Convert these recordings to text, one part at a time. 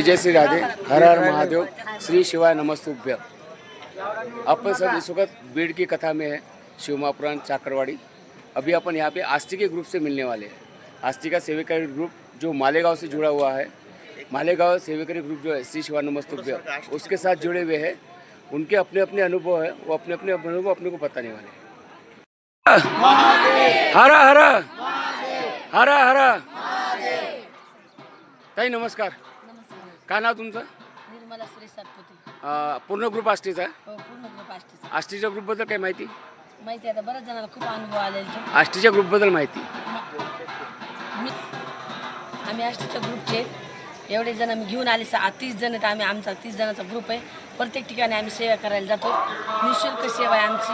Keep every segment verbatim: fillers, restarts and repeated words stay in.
जय श्री राधे, हर हर महादेव, श्री शिवाय नमस्तुभ्य। अपन सब इस वक्त भीड़ की कथा में है, शिव महापुराण चाकरवाड़ी। अभी अपन यहाँ पे आस्ती के ग्रुप से मिलने वाले हैं। आस्ती का सेविकारी ग्रुप जो मालेगांव से जुड़ा हुआ है, मालेगांव सेविकारी ग्रुप जो है श्री शिवाय नमस्तुभ्य, उसके साथ जुड़े हुए हैं। उनके अपने अपने अनुभव है, वो अपने अपने अनुभव अपने को बताने वाले हैं। हरा हरा हरा हरा ताई नमस्कार, काय नाव तुमचं? निर्मला सुरेश सातपुते. अं, पूर्ण ग्रुप आष्टीचा आहे. हो, पूर्ण ग्रुप आष्टीचा. आष्टीच्या ग्रुपबद्दल काही माहिती? माहिती आहे, आता बऱ्याच जणांना खूप अनुभव आलेला तो. आष्टीच्या ग्रुपबद्दल माहिती? मी आम्ही आष्टीच्या ग्रुपचे एवढे जण आम्ही घेऊन आले. सा तीस जण आहेत आम्ही. आमचा तीस जणांचा ग्रुप आहे. प्रत्येक ठिकाणी आम्ही सेवा करायला जातो. निःशुल्क सेवा आहे आमची.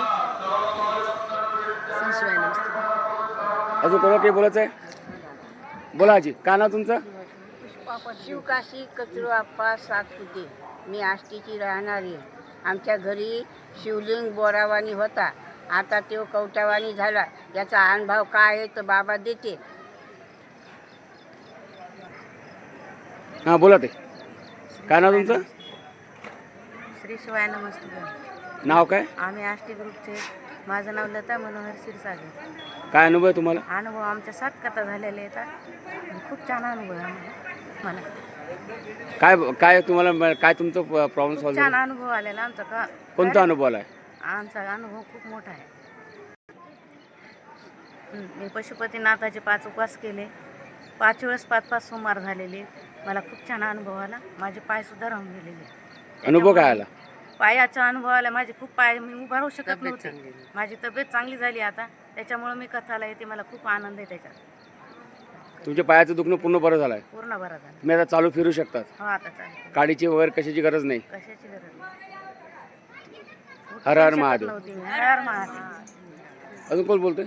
संशिवाय नमस्ते. अजून कोणाला काही बोलायचं आहे? बोला आजी, काय नाव तुमचं? शिवकाशी कचरू आप्पा सातपुते. मी आष्टीची राहणारी. आमच्या घरी शिवलिंग बोरावानी होता, आता तो कवटावानी झाला. याचा अनुभव काय आहे तर बाबा देते. हां बोला ते, काय नाव तुमचं? श्री शिवाय नमस्ते. नाव काय? आम्ही आष्टी ग्रुपचे. माझं नाव लता मनोहर क्षीरसागर. काय अनुभव आहे तुम्हाला? अनुभव आमच्या सात कथा झालेल्या येतात. खूप छान अनुभव आहे आम्हाला. मला काय काय तुम्हाला काय तुमचं प्रॉब्लेम खूप सॉल्व्ह छान झाला? अनुभव आलेला आमचा. का कोणता अनुभव आला आहे? आमचा अनुभव खूप मोठा आहे. हं, मी पशुपतीनाथाचे पाच उपवास केले. पाच वेळेस पाच पाच सोमवार झालेले. मला खूप छान अनुभव आला. माझे पायसुद्धा राहून गेलेले. अनुभव काय आला? पायाचा अनुभव आला. माझे खूप पाय, मी उभा राहू शकत नव्हते. माझी तब्येत चांगली झाली आता. त्याच्यामुळे मी कथाला येते. मला खूप आनंद आहे त्याच्यात. तुमच्या पायाचं दुखणं पूर्ण बरं झालं आहे? पूर्ण बरं झालं. तुम्ही आता चालू फिरू शकतात? हो, आता चालेल. गाडीची वगैरे कशाची गरज नाही? कशाची गरज नाही. हर हर शकत महादेव. नव्हती मी. हर हर महादेव. अजून कोण बोलतोय?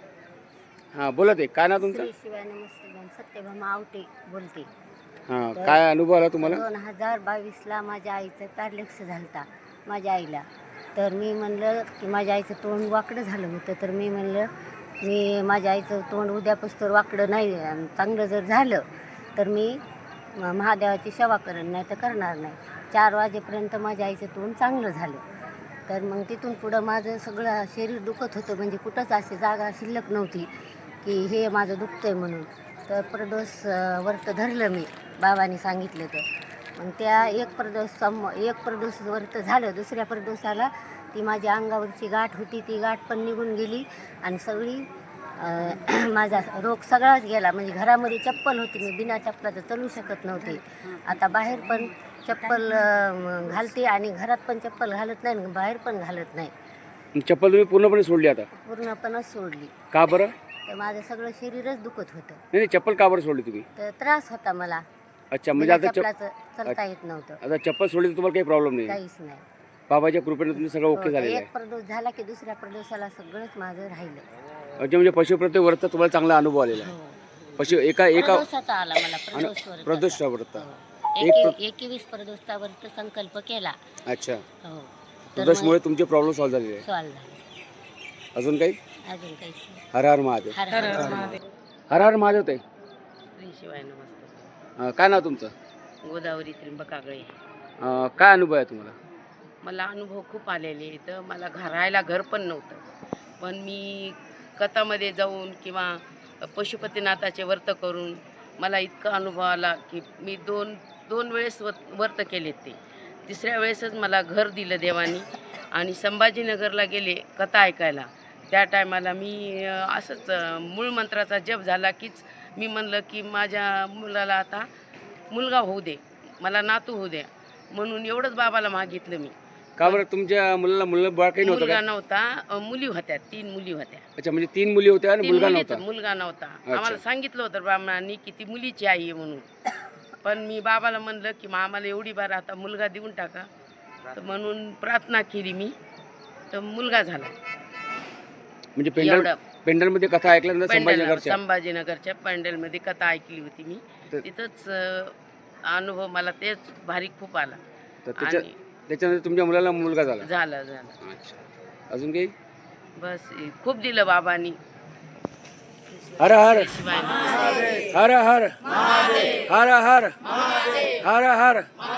हां बोला ते, काय नाव तुमचं? श्री शिवाय नमस्ते. सत्यभामा आवटे बोलते. हां, काय अनुभव आला तुम्हाला? दोन हजार बावीसला माझ्या आईचं पॅरलेक्स झालता माझ्या आईला. तर मी म्हणलं की माझ्या आईचं तोंड वाकडं झालं होतं. तर मी म्हणलं मी माझ्या आईचं तोंड उद्यापासून वाकडं नाही, चांगलं जर झालं तर मी म- महादेवाची सेवा करेन, नाही तर करणार नाही. चार वाजेपर्यंत माझ्या आईचं तोंड चांगलं झालं. तर मग तिथून पुढं माझं सगळं शरीर दुखत होतं. म्हणजे कुठंच अशी जागा शिल्लक नव्हती की हे माझं दुखतं आहे म्हणून. तर प्रदोष अं, व्रत धरलं मी, बाबांनी सांगितलं तर. मग त्या एक प्रदोष सम एक प्रदोष व्रत झालं. दुसऱ्या प्रदोषाला ती माझ्या अंगावरची गाठ होती, ती गाठ पण निघून गेली आणि सगळी अं, माझा रोग सगळाच गेला. म्हणजे घरामध्ये चप्पल होती, मी बिना चप्पलाचं चालू शकत नव्हते. आता बाहेर पण चप्पल अं, घालते आणि घरात पण चप्पल घालत नाही आणि बाहेर पण घालत नाही. चप्पल तुम्ही पूर्णपणे सोडली आता? पूर्णपणच सोडली. का बरं? तर माझं सगळं शरीरच दुखत होतं. नाही नाही, चप्पल का बरं सोडली तुम्ही? तर त्रास होता मला. अच्छा, म्हणजे आता चप चपलाचं चालता येत नव्हतं. आता चप्पल सोडली तर तुम्हाला काही प्रॉब्लेम नाही? काहीच नाही. बाबाच्या कृपेने तुम्ही सगळं ओके हो, झालेलं एक आहे? प्रदोष झाला की दुसऱ्या प्रदोषाला सगळंच माझं राहिलं. अच्छा, म्हणजे पशुप्रत्ये व्रत तुम्हाला चांगला अनुभव आलेला आहे? पशु एका एका प्रदोषाचा आला मला. प्रदोष व्रत. प्रदोषचा व्रत. हो. एक एके- एकवीस प्रदोषचा व्रत संकल्प केला. अच्छा, हो. तर प्रदोषमुळे तुमचे प्रॉब्लेम सॉल्व्ह झालेले आहे? सॉल्व झालं. अजून काही? अजून काहीच नाही. हर हर महादेव. हर हर महादेव. हर हर महादेव ताई. श्री शिवाय नमस्ते. अं, काय नाव तुमचं? गोदावरी त्रिंबक कागळे. अं, काय अनुभव आहे तुम्हाला? मला अनुभव खूप आलेले. तर मला घरायला घर पण नव्हतं. पण मी कथामध्ये जाऊन किंवा पशुपतीनाथाचे व्रत करून मला इतका अनुभव आला की मी दोन दोन वेळेस व व्रत केले. ते तिसऱ्या वेळेसच मला घर दिलं देवानी. आणि संभाजीनगरला गेले कथा ऐकायला. त्या टायमाला मी अ, असंच अ, मूळ मंत्राचा जप झाला कीच मी म्हणलं की माझ्या मुलाला आता मुलगा होऊ दे, मला नातू होऊ द्या, म्हणून एवढंच बाबाला मागितलं मी. का बरं तुमच्या मुलाला मुलं बाळ काही नव्हतं मुलगा का? नव्हता. अ, मुली होत्या, तीन मुली होत्या. अच्छा, म्हणजे तीन मुली होत्या आणि तीन मुलगा मुलीच, नव्हता? मुलगा नव्हता. आम्हाला सांगितलं होतं ब्राह्मणांनी की ती मुलीची आई आहे म्हणून. पण मी बाबाला म्हणलं की मग आम्हाला एवढी बार आता मुलगा देऊन टाका. तर म्हणून प्रार्थना केली मी, तर मुलगा झाला. म्हणजे पेंडल एवढं. पेंडलमध्ये कथा ऐकल्यानंतर पेंडल संभाजीनगरच्या संभाजीनगरच्या पॅन्डलमध्ये कथा ऐकली होती मी. तर- तिथंच अ, अनुभव मला तेच भारी खूप आला. तर त्याच्या आणि त्याच्यानंतर तुमच्या मुलाला मुलगा झाला? झालं झालं. अच्छा, अजून काही? बस खूप दिलं बाबांनी. हर हर शिवाय हर हर हर हर हर हर